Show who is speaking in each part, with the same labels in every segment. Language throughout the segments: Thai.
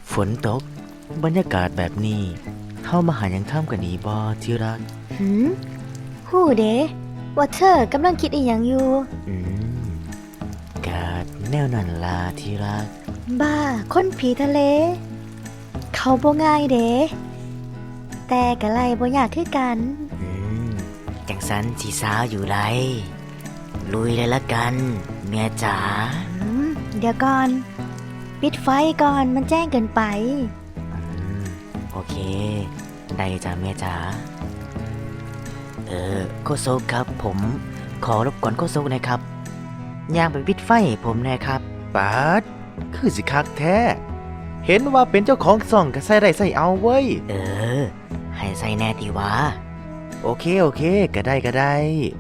Speaker 1: ฝนตกบรรยากาศแบบนี้เข้ามาหายังท่ามกันดีบ่ที่รัก
Speaker 2: ฮู้เด้ว่าเธอกำลังคิดอีหยังอยู่
Speaker 1: กาดแนวนั้นลาที่รัก
Speaker 2: บ้าคนผีทะเล เขาบ่ง่ายเด้แต่กะไลบ่อยากคือกัน
Speaker 1: จังสันสีสาวอยู่ไรลุยเลยละกันเมียจ๋า
Speaker 2: เดี๋ยวก่อนปิดไฟก่อนมันแจ้งเกินไป
Speaker 1: โอเคได้จ้าเมียจ๋าโคโซกครับผมขอรบกวนโคโซกนะครับย่างไปปิดไฟผมหน่อยครับ
Speaker 3: ปาดคือสิคักแท้เห็นว่าเป็นเจ้าของซ่องก็ใส่ได้ใส่เอาเว้ย
Speaker 1: ให้ใส่แน่ตีวะ
Speaker 3: โอเคก็ได้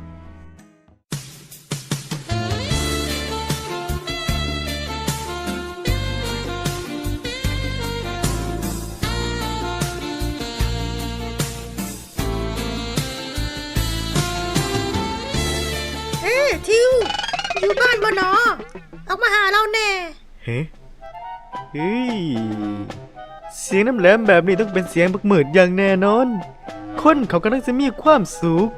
Speaker 4: ทิวอยู่บ้านบ่หนอออกมาหาเราแน่
Speaker 3: เฮ้ยเสียงน้ำแหลมแบบนี้ต้องเป็นเสียงบักหมืดอย่างแน่นอนคนเขากำลังจะมีความสุข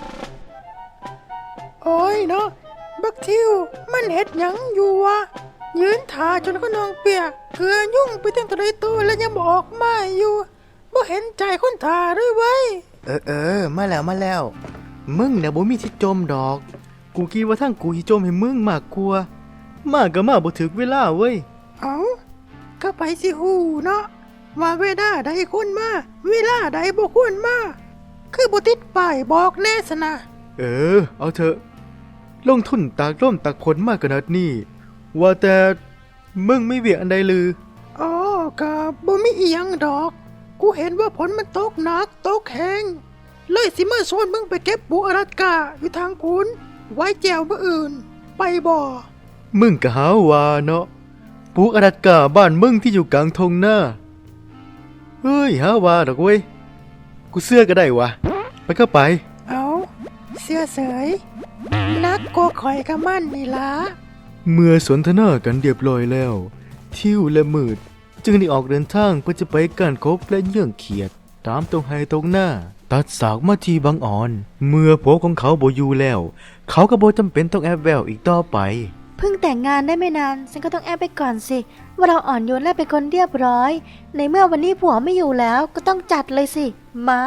Speaker 4: โอ้ยเนาะบักทิวมันเฮ็ดหยังอยู่วะยืนถ่าจนก็นองเปียกเกลือยุ่งไปตั้งแต่ใดตัวแล้วยังบอกออกมาอยู่บ่เห็นใจคนถ่าด้วยเว้ย
Speaker 3: มาแล้วมึงเนี่ยบ่มีที่จมดอกกูคิดว่าทั้งกูสิจมให้มึงมากกว่ามาก็มาบ่ถึกเวลาเว้ย
Speaker 4: ก็ไปสิฮู้เนาะว่าเวลาใดคนมาเวลาใดบ่ควรมาคือบ่ติดป้ายบอกแน่ซะนะ
Speaker 3: เอาเถอะลงทุนตากร่มตากฝนมากขนาดนี้ว่าแต่มึงไม่เวียกอันใดลือ
Speaker 4: ก็บ่มีอีหยังดอกกูเห็นว่าฝนมันตกหนักตกแห้งเลยสิมาชวนมึงไปเก็บปูอลาสก้าอยู่ทางพุนไว้แจวมื้ออื่นไปบ่
Speaker 3: มึงก็หาว่าเนาะปูอลาสก้าบ้านมึงที่อยู่กลางทงหน้าเฮ้ยหาว่าดอกเว้ยกูเสื้อก็ได้วะไปก็ไป
Speaker 4: เสื้อเสยนักก็ข่อยกับมันนี่ล่ะ
Speaker 3: เมื่อสนทนากันเรียบร้อยแล้วทิวและมืดจึงได้ออกเดินทางเพื่อจะไปการคบและเยื่องเขียดตามตรงไฮตรงหน้าตัดสากมาที่บางอ่อนเมื่อผัวของเขาบ่อยู่แล้วเขาก็บ่จำเป็นต้องแอบแววอีกต่อไป
Speaker 2: เพิ่งแต่งงานได้ไม่นานฉันก็ต้องแอบไปก่อนสิว่าเราอ่อนโยนและเป็นคนเรียบร้อยในเมื่อวันนี้ผัวไม่อยู่แล้วก็ต้องจัดเลยสิมา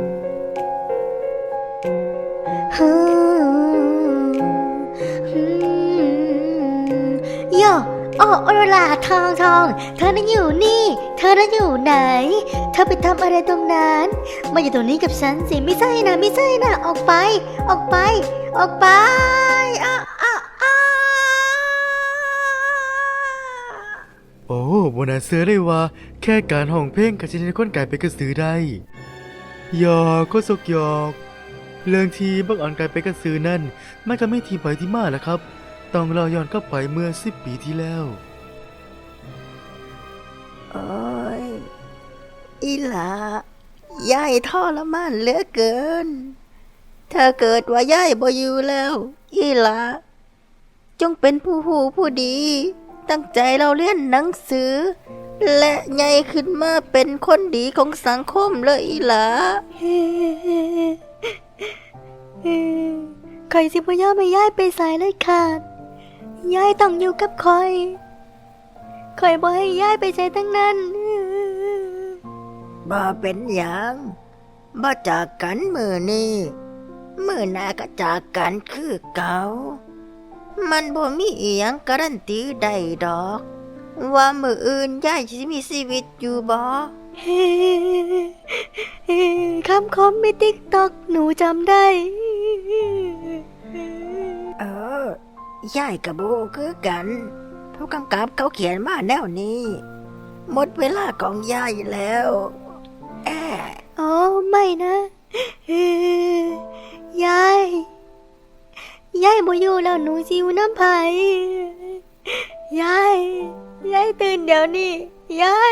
Speaker 2: โยโอโรลาทองเธอน่ะอยู่นี่เธอน่ะอยู่ไหนเธอไปทำอะไรตรงนั้นมาอยู่ตรงนี้กับฉันสิไม่ใช่นะออกไป
Speaker 3: โอ้บ่น่าเชื่อเลยว่าแค่การห้องเพลงก็จะให้คนกลายเป็นกระสือได้หยอกก็สกหยอกเรื่องที่บังอ่อนกลายเป็นกระสือนั่นมันก็ไม่ที่ไปที่มาแหละครับต้องรอย้อนกลับไปเมื่อ10 ปีที่แล้ว
Speaker 5: โอ้ยอีหลายายทรมานเหลือเกินถ้าเกิดว่ายายบ่อยู่แล้วอีหลาจงเป็นผู้หูผู้ดีตั้งใจเราเรียนหนังสือและใหญ่ขึ้นมาเป็นคนดีของสังคมเลยอีหลา
Speaker 2: ใครสิบ่ยอมให้ยายไปสายเลยขาดยายต้องอยู่กับคอยบ่ให้ยายไปใช้ทั้งนั้น
Speaker 5: บ่เป็นหยังบ่จากกันมื้อนี้มื้อหน้าก็จากกันคือเก่ามันบ่มีอีหยังการันตีได้ดอกว่ามื้ออื่นยายสิมีชีวิตอยู่บ่
Speaker 2: คำคมในติ๊กต็อกหนูจำได้
Speaker 5: ยายกับโบคือกันผู้กำกับเขาเขียนมาแนวนี้หมดเวลาของยายแล้ว
Speaker 2: ไม่นะยายบ่อยู่แล้วหนูสิอยู่น้ำไผยายตื่นเดี๋ยวนี้ยาย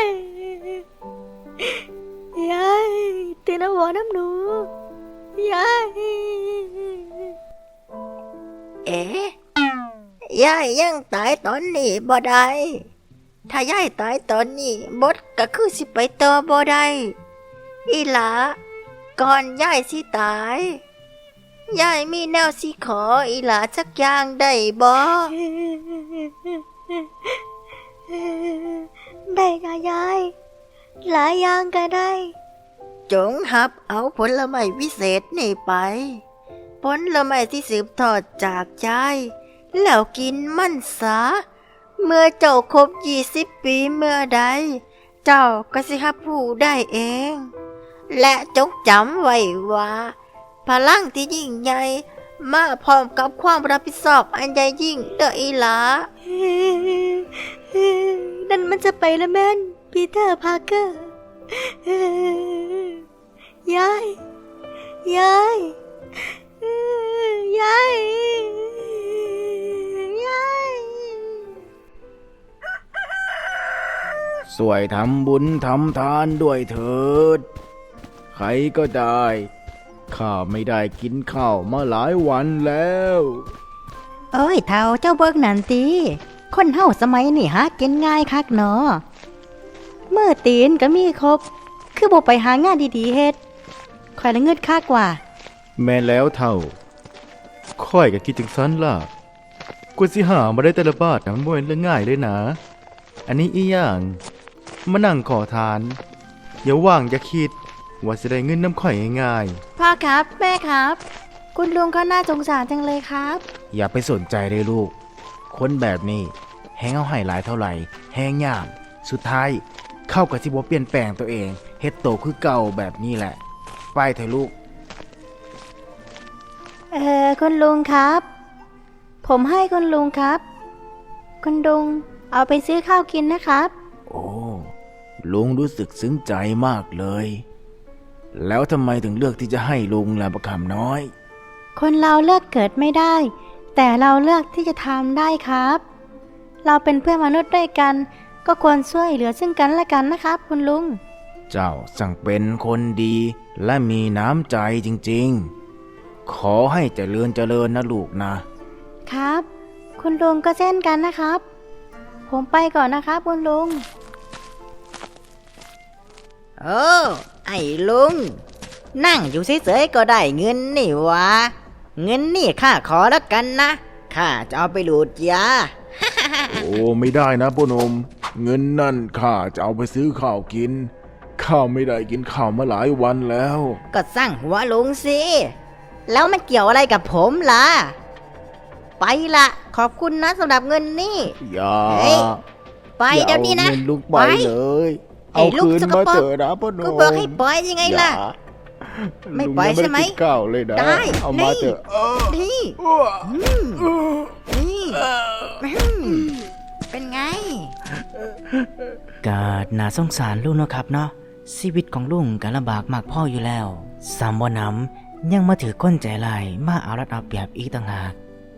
Speaker 2: ตื่นแล้วบอกน้ำหนูยาย
Speaker 5: ยายยังตายตอนนี้บ่ได้ถ้ายายตายตอนนี้บดก็คือสิไปต่อบ่ได้อีหลาก่อนยายสิตายยายมีแนวสิขออีหลาสักอย่างได้บ่
Speaker 2: ได้ค่ะยาย หลายอย่างก็ได้
Speaker 5: จงหับเอาผลไม้วิเศษนี่ไปผลไม้ที่สืบทอดจากยายแล้วกินมันซะเมื่อเจ้าครบ20 ปีเมื่อใดเจ้าก็สิหับผู้ได้เอง และจงจำไว้ว่าพลังที่ยิ่งใหญ่มาพร้อมกับความรับผิดชอบอันใหญ่ยิ่งเด้ออีหลา
Speaker 2: นั่นมันจะไปแล้วแม่นปีเตอร์พาร์เกอร์ ยาย ยาย ยาย ยาย
Speaker 6: สวยทำบุญทำทานด้วยเถิด ใครก็ได้ ข้าไม่ได้กินข้าวมาหลายวันแล้ว
Speaker 2: เอ้ยเท่าเจ้าเบิกนันตีคนเฮาสมัยนี่หากินง่ายคักเนาะเมื่อตีนก็มีครบ คือบ่ไปหางานดีๆเฮ็ดข่อยละเงิดคักกว่า
Speaker 3: แม่นแล้วเท่า ค่อยก็คิดจังซั้นล่ะกว่าสิหามาได้แต่ละบาทนะมันบ่แม่นเรื่องง่ายเลยนะ อันนี้อีหยังมานั่งขอทาน อย่าว่างอย่าคิดว่าสิได้เงินน้ำข่อยง่าย
Speaker 2: พ่อครับแม่ครับ คุณลุงเขาน่าสงสารจังเลยครับ
Speaker 6: อย่าไปสนใจเลยลูก คนแบบนี้แฮงเอาให้หลายเท่าไหร่แฮงยามสุดท้ายเข้ากับที่บ่เปลี่ยนแปลงตัวเองเฮ็ดโตคือเก่าแบบนี้แหละ ไปเถอะลูก
Speaker 2: คุณลุงครับ ผมให้คุณลุงครับ คุณลุงเอาไปซื้อข้าวกินนะครับ
Speaker 6: โอ้ลุงรู้สึกซึ้งใจมากเลย แล้วทำไมถึงเลือกที่จะให้ลุงล่ะประคำน้อย
Speaker 2: คนเราเลือกเกิดไม่ได้ แต่เราเลือกที่จะทำได้ครับ เราเป็นเพื่อนมนุษย์ด้วยกัน ก็ควรช่วยเหลือซึ่งกันและกันนะครับ คุณลุง
Speaker 6: เจ้าสั่งเป็นคนดีและมีน้ำใจจริงๆ ขอให้เจริญเจริญนะลูกนะ
Speaker 2: ครับ คุณลุงก็เช่นกันนะครับ ผมไปก่อนนะครับคุณลุง
Speaker 5: โอ้ไอ้ลุง นั่งอยู่เฉยๆก็ได้เงินนี่วะเงินนี่ข้าขอแล้วกันนะข้าจะเอาไปหลูดยา
Speaker 7: โอ้ไม่ได้นะพ่อหนม เงินนั่นข้าจะเอาไปซื้อข้าวกิน ข้าไม่ได้กินข้าวมาหลายวันแล้ว
Speaker 5: ก็สร้างหัวลุงสิแล้วมันเกี่ยวอะไรกับผมล่ะ ไปละขอบคุณนะสำหรับเงินนี่
Speaker 7: อย่า
Speaker 5: เฮ้ย ไปเดี๋ยวนี้นะ
Speaker 7: อาเงินลูกไป
Speaker 5: ไป
Speaker 7: เลย
Speaker 5: ไอ้
Speaker 7: เอา
Speaker 5: ลูก
Speaker 7: คืน
Speaker 5: สก
Speaker 7: มา
Speaker 5: ปรก
Speaker 7: เถอะนะพ่อหนม
Speaker 5: ก็บอกให้ปล่อยยังไงล่ะ
Speaker 7: อย่า
Speaker 5: ไม่ปล่อยใช่ไหม
Speaker 7: ลุงยังด้กินข้าวเลยนะ
Speaker 5: ได้
Speaker 7: เอามา
Speaker 5: นี่
Speaker 7: เถอะ
Speaker 5: นี่นี่เป็นไง
Speaker 1: ๆก็น่าสงสารลุงเนาะครับเนาะชีวิตของลุงก็ลำบากมากพ่ออยู่แล้วสามบ่นำยังมาถือก้นใจลายมาเอารัดเอาเปรียบอีกต่างหาก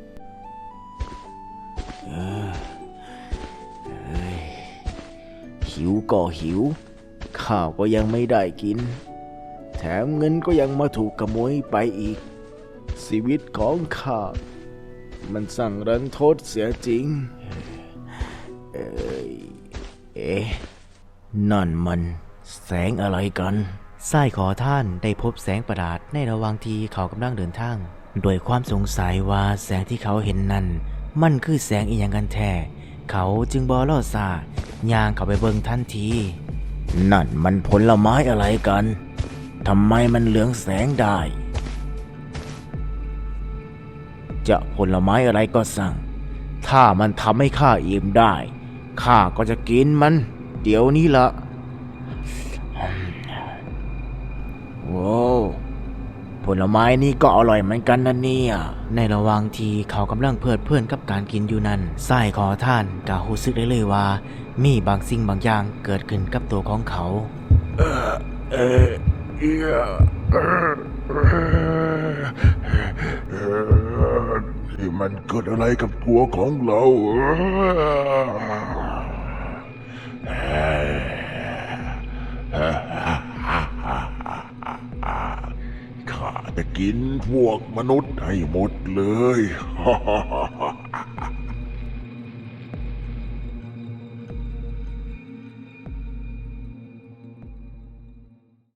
Speaker 6: หิวก็หิว ข้าวก็ยังไม่ได้กิน แถมเงินก็ยังมาถูกขโมยไปอีก ชีวิตของข้า มันสั่งรันทดเสียจริง เอ๊ะนั่นมันแสงอะไรกัน
Speaker 1: ไส้ขอท่านได้พบแสงประหลาดในระหว่างที่เขากำลังเดินทางโดยความสงสัยว่าแสงที่เขาเห็นนั้นมันคือแสงอีหยังกันแท้เขาจึงบ่รอซ่าย่างเข้าไปเบิ่งทันที
Speaker 6: นั่นมันผลไม้อะไรกัน ทำไมมันเหลืองแสงได้ จะผลไม้อะไรก็สั่ง ถ้ามันทำให้ข้าอิ่มได้ ข้าก็จะกินมัน เดี๋ยวนี้ละโว้วผลไม้นี่ก็อร่อยเหมือนกันนะเนี่ย
Speaker 1: ในระหว่างที่เขากำลังเพลิดเพลินกับการกินอยู่นั้นไส้ขอท่านก็รู้สึกได้เลยว่า มีบางสิ่งบางอย่างเกิดขึ้นกับตัวของเขา
Speaker 7: นี่มันเกิดอะไรกับตัวของเรา ข้าจะกินพวกมนุษย์ให้หมดเลย